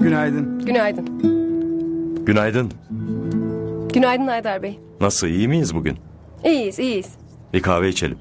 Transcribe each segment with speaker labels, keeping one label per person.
Speaker 1: Günaydın.
Speaker 2: Günaydın.
Speaker 3: Günaydın.
Speaker 2: Günaydın Haydar Bey.
Speaker 3: Nasıl, iyi miyiz bugün?
Speaker 2: İyiyiz, iyiyiz.
Speaker 3: Bir kahve içelim.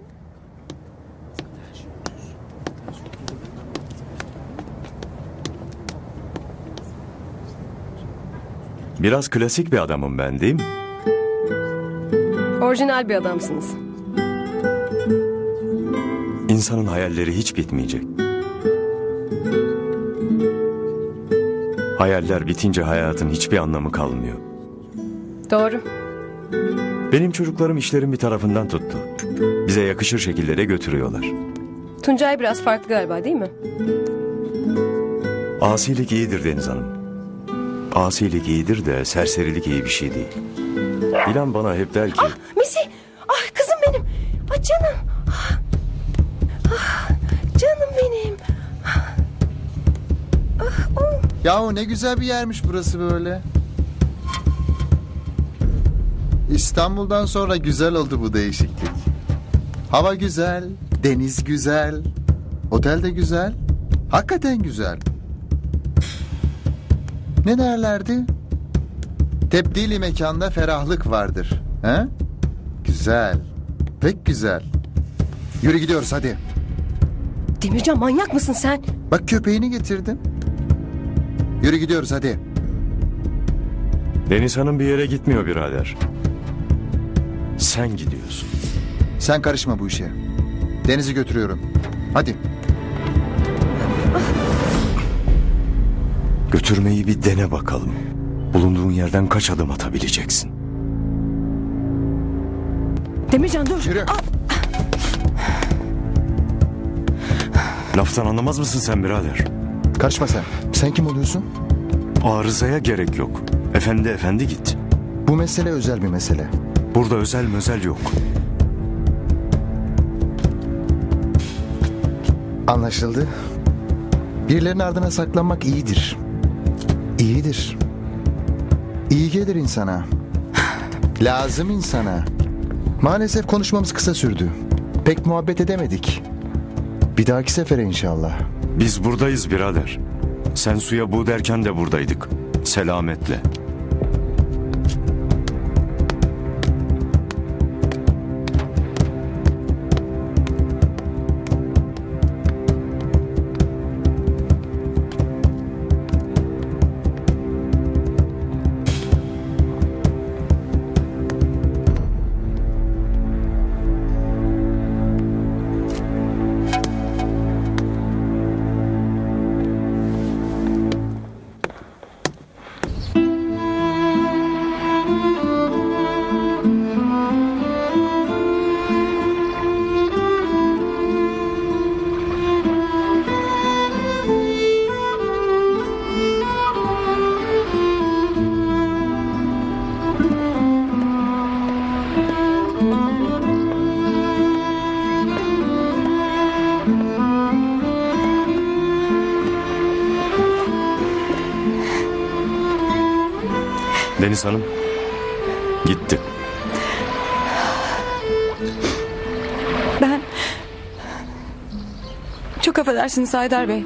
Speaker 3: Biraz klasik bir adamım ben, değil mi?
Speaker 2: Orijinal bir adamsınız.
Speaker 3: İnsanın hayalleri hiç bitmeyecek. Hayaller bitince hayatın hiçbir anlamı kalmıyor.
Speaker 2: Doğru.
Speaker 3: Benim çocuklarım işlerin bir tarafından tuttu. Bize yakışır şekillere götürüyorlar.
Speaker 2: Tuncay biraz farklı galiba, değil mi?
Speaker 3: Asilik iyidir Deniz Hanım. Asilik iyidir de serserilik iyi bir şey değil. İlan bana hep der ki...
Speaker 2: Misi! Ah kızım benim! Ah canım! Canım benim!
Speaker 4: Yahu ne güzel bir yermiş burası böyle. İstanbul'dan sonra güzel oldu bu değişiklik. Hava güzel, deniz güzel, otel de güzel. Hakikaten güzel. Ne derlerdi? Tebdili mekanda ferahlık vardır. He? Güzel. Pek güzel. Yürü gidiyoruz hadi.
Speaker 2: Demircan manyak mısın sen?
Speaker 4: Bak köpeğini getirdim. Yürü gidiyoruz hadi.
Speaker 3: Deniz Hanım bir yere gitmiyor birader. Sen gidiyorsun.
Speaker 4: Sen karışma bu işe. Deniz'i götürüyorum. Hadi.
Speaker 3: Götürmeyi bir dene bakalım. Bulunduğun yerden kaç adım atabileceksin?
Speaker 2: Demircan dur!
Speaker 4: Yürü.
Speaker 3: Laftan anlamaz mısın sen birader?
Speaker 4: Karışma sen. Sen kim oluyorsun?
Speaker 3: Arızaya gerek yok. Efendi efendi git.
Speaker 4: Bu mesele özel bir mesele.
Speaker 3: Burada özel mözel yok.
Speaker 4: Anlaşıldı. Birilerinin ardına saklanmak iyidir. İyidir. İyi gelir insana. Lazım insana. Maalesef konuşmamız kısa sürdü. Pek muhabbet edemedik. Bir dahaki sefere inşallah.
Speaker 3: Biz buradayız birader. Sen suya bu derken de buradaydık. Selametle. Deniz Hanım gitti.
Speaker 5: Ben... Çok affedersiniz Haydar Bey.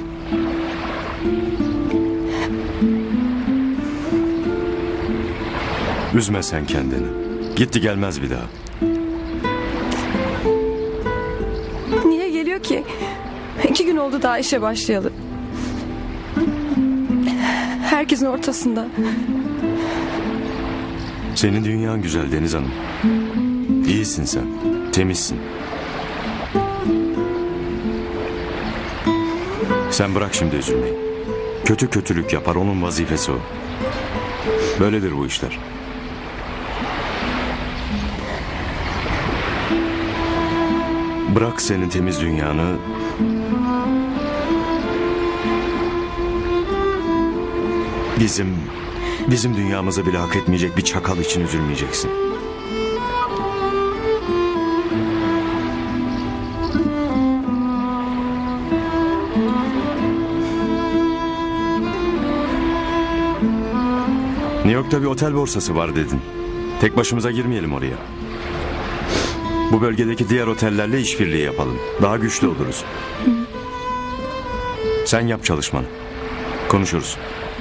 Speaker 3: Üzme sen kendini. Gitti gelmez bir daha.
Speaker 5: Niye geliyor ki? 2 gün oldu daha işe başlayalı. Herkesin ortasında.
Speaker 3: Senin dünyan güzel Deniz Hanım. İyisin sen. Temizsin. Sen bırak şimdi üzülmeyi. Kötü kötülük yapar, onun vazifesi o. Böyledir bu işler. Bırak senin temiz dünyanı. Bizim dünyamızı bile hak etmeyecek bir çakal için üzülmeyeceksin. New York'ta bir otel borsası var dedin. Tek başımıza girmeyelim oraya. Bu bölgedeki diğer otellerle işbirliği yapalım. Daha güçlü oluruz. Sen yap çalışmanı. Konuşuruz.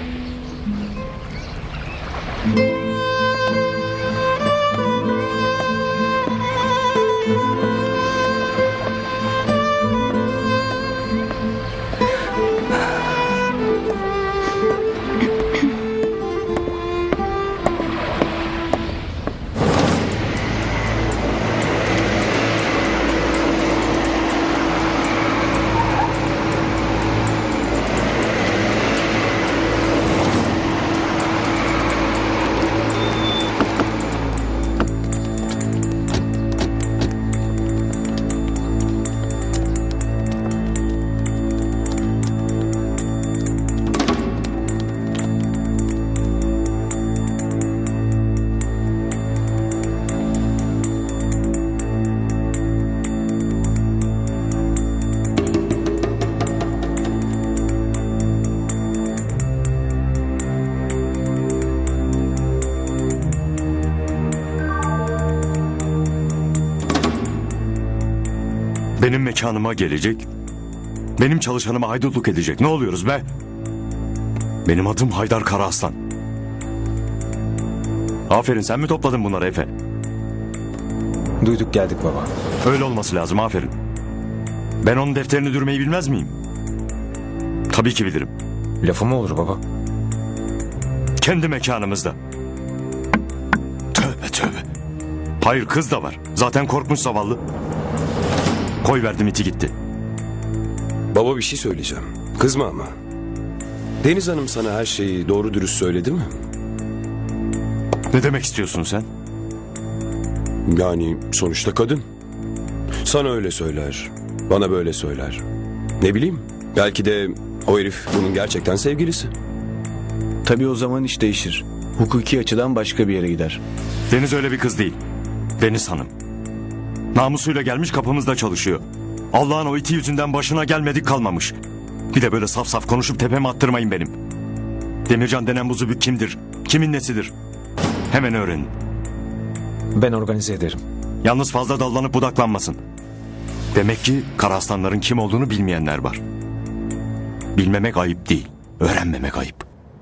Speaker 3: Benim mekanıma gelecek, benim çalışanıma haydutluk edecek. Ne oluyoruz be? Benim adım Haydar Karaaslan. Aferin, sen mi topladın bunları Efe?
Speaker 1: Duyduk geldik baba.
Speaker 3: Öyle olması lazım, aferin. Ben onun defterini dürmeyi bilmez miyim? Tabii ki bilirim.
Speaker 1: Lafı mı olur baba?
Speaker 3: Kendi mekanımızda. Tövbe tövbe. Hayır, kız da var. Zaten korkmuş zavallı. Koy verdim, iti gitti.
Speaker 6: Baba bir şey söyleyeceğim. Kızma ama. Deniz Hanım sana her şeyi doğru dürüst söyledi mi?
Speaker 3: Ne demek istiyorsun sen?
Speaker 6: Yani sonuçta kadın. Sana öyle söyler. Bana böyle söyler. Ne bileyim. Belki de o herif bunun gerçekten sevgilisi.
Speaker 7: Tabii o zaman iş değişir. Hukuki açıdan başka bir yere gider.
Speaker 3: Deniz öyle bir kız değil. Deniz Hanım. Namusuyla gelmiş, kapımızda çalışıyor. Allah'ın o iti yüzünden başına gelmedik kalmamış. Bir de böyle saf saf konuşup tepeme attırmayın benim. Demircan denen bu zübük kimdir? Kimin nesidir? Hemen öğrenin.
Speaker 1: Ben organize ederim.
Speaker 3: Yalnız fazla dallanıp budaklanmasın. Demek ki Karaaslanların kim olduğunu bilmeyenler var. Bilmemek ayıp değil, öğrenmemek ayıp.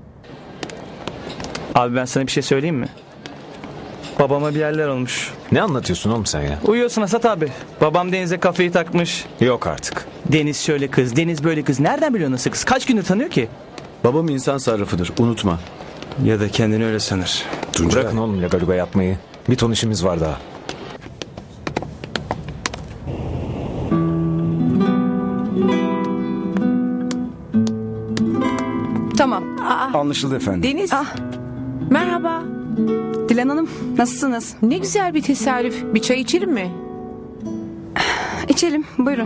Speaker 8: Abi ben sana bir şey söyleyeyim mi? Babama bir yerler olmuş.
Speaker 1: Ne anlatıyorsun oğlum sen ya?
Speaker 8: Uyuyorsun Asat abi. Babam Deniz'e kafayı takmış.
Speaker 1: Yok artık.
Speaker 8: Deniz şöyle kız, Deniz böyle kız. Nereden biliyor nasıl kız? Kaç gündür tanıyor ki?
Speaker 7: Babam insan sarrafıdır, unutma.
Speaker 8: Ya da kendini öyle sanır.
Speaker 6: Tuncay.
Speaker 1: Bırakın oğlum lagaluga yapmayı. Bir ton işimiz var daha.
Speaker 5: Tamam.
Speaker 7: Anlaşıldı efendim.
Speaker 9: Deniz. Merhaba.
Speaker 5: Dilan Hanım, nasılsınız?
Speaker 9: Ne güzel bir tesadüf. Bir çay içelim mi?
Speaker 5: İçelim, buyurun.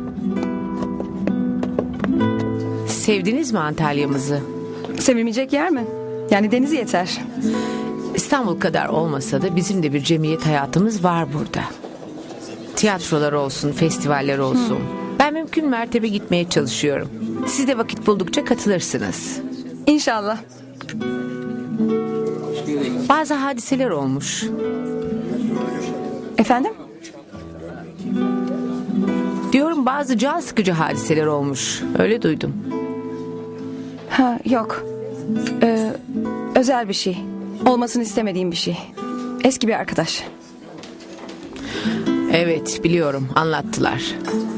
Speaker 9: Sevdiniz mi Antalya'mızı?
Speaker 5: Sevilmeyecek yer mi? Yani denizi yeter.
Speaker 9: İstanbul kadar olmasa da bizim de bir cemiyet hayatımız var burada. Tiyatrolar olsun, festivaller olsun. Ben mümkün mertebe gitmeye çalışıyorum. Siz de vakit buldukça katılırsınız.
Speaker 5: İnşallah.
Speaker 9: Bazı hadiseler olmuş.
Speaker 5: Efendim?
Speaker 9: Diyorum bazı can sıkıcı hadiseler olmuş. Öyle duydum.
Speaker 5: Ha, yok. Özel bir şey. Olmasını istemediğim bir şey. Eski bir arkadaş.
Speaker 9: Evet biliyorum, anlattılar.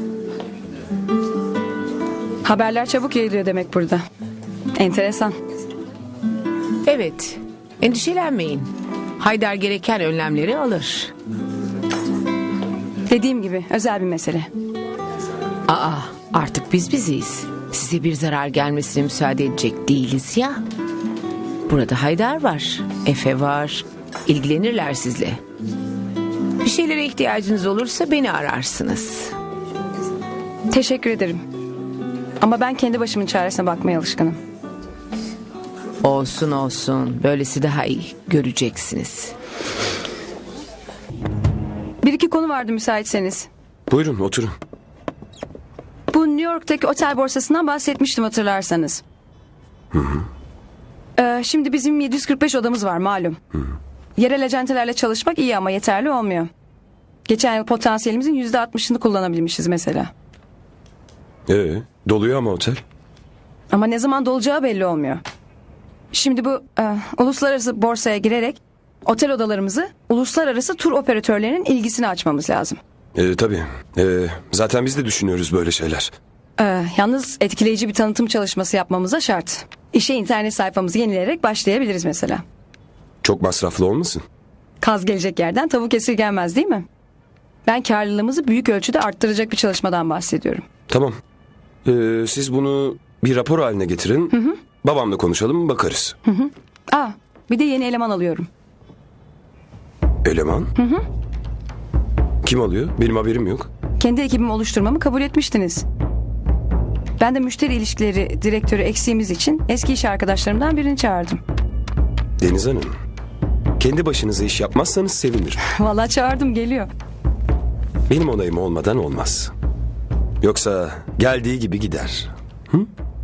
Speaker 5: Haberler çabuk yayılıyor demek burada. Enteresan.
Speaker 9: Evet, endişelenmeyin. Haydar gereken önlemleri alır.
Speaker 5: Dediğim gibi özel bir mesele.
Speaker 9: Aa, artık biz biziz. Size bir zarar gelmesine müsaade edecek değiliz ya. Burada Haydar var, Efe var. İlgilenirler sizle. Bir şeylere ihtiyacınız olursa beni ararsınız.
Speaker 5: Teşekkür ederim. Ama ben kendi başımın çaresine bakmaya alışkınım.
Speaker 9: Olsun olsun. Böylesi daha iyi. Göreceksiniz.
Speaker 5: Bir iki konu vardı müsaitseniz.
Speaker 6: Buyurun oturun.
Speaker 5: Bu New York'taki otel borsasından bahsetmiştim hatırlarsanız. Şimdi bizim 745 odamız var malum. Yerel acentelerle çalışmak iyi ama yeterli olmuyor. Geçen yıl potansiyelimizin %60'ını kullanabilmişiz mesela.
Speaker 6: Doluyor ama otel.
Speaker 5: Ama ne zaman dolacağı belli olmuyor. Şimdi bu uluslararası borsaya girerek otel odalarımızı uluslararası tur operatörlerinin ilgisini açmamız lazım.
Speaker 6: Tabii. Zaten biz de düşünüyoruz böyle şeyler.
Speaker 5: Yalnız etkileyici bir tanıtım çalışması yapmamıza şart. İşe internet sayfamızı yenileyerek başlayabiliriz mesela.
Speaker 6: Çok masraflı olmasın?
Speaker 5: Kaz gelecek yerden tavuk esirgenmez değil mi? Ben karlılığımızı büyük ölçüde arttıracak bir çalışmadan bahsediyorum.
Speaker 6: Tamam. Siz bunu bir rapor haline getirin. Babamla konuşalım, bakarız.
Speaker 5: Bir de yeni eleman alıyorum.
Speaker 6: Eleman? Kim alıyor? Benim haberim yok.
Speaker 5: Kendi ekibimi oluşturmamı kabul etmiştiniz. Ben de müşteri ilişkileri direktörü eksiğimiz için eski iş arkadaşlarımdan birini çağırdım.
Speaker 6: Deniz Hanım, kendi başınıza iş yapmazsanız sevinirim.
Speaker 5: Vallahi çağırdım, geliyor.
Speaker 6: Benim onayım olmadan olmaz. Yoksa geldiği gibi gider.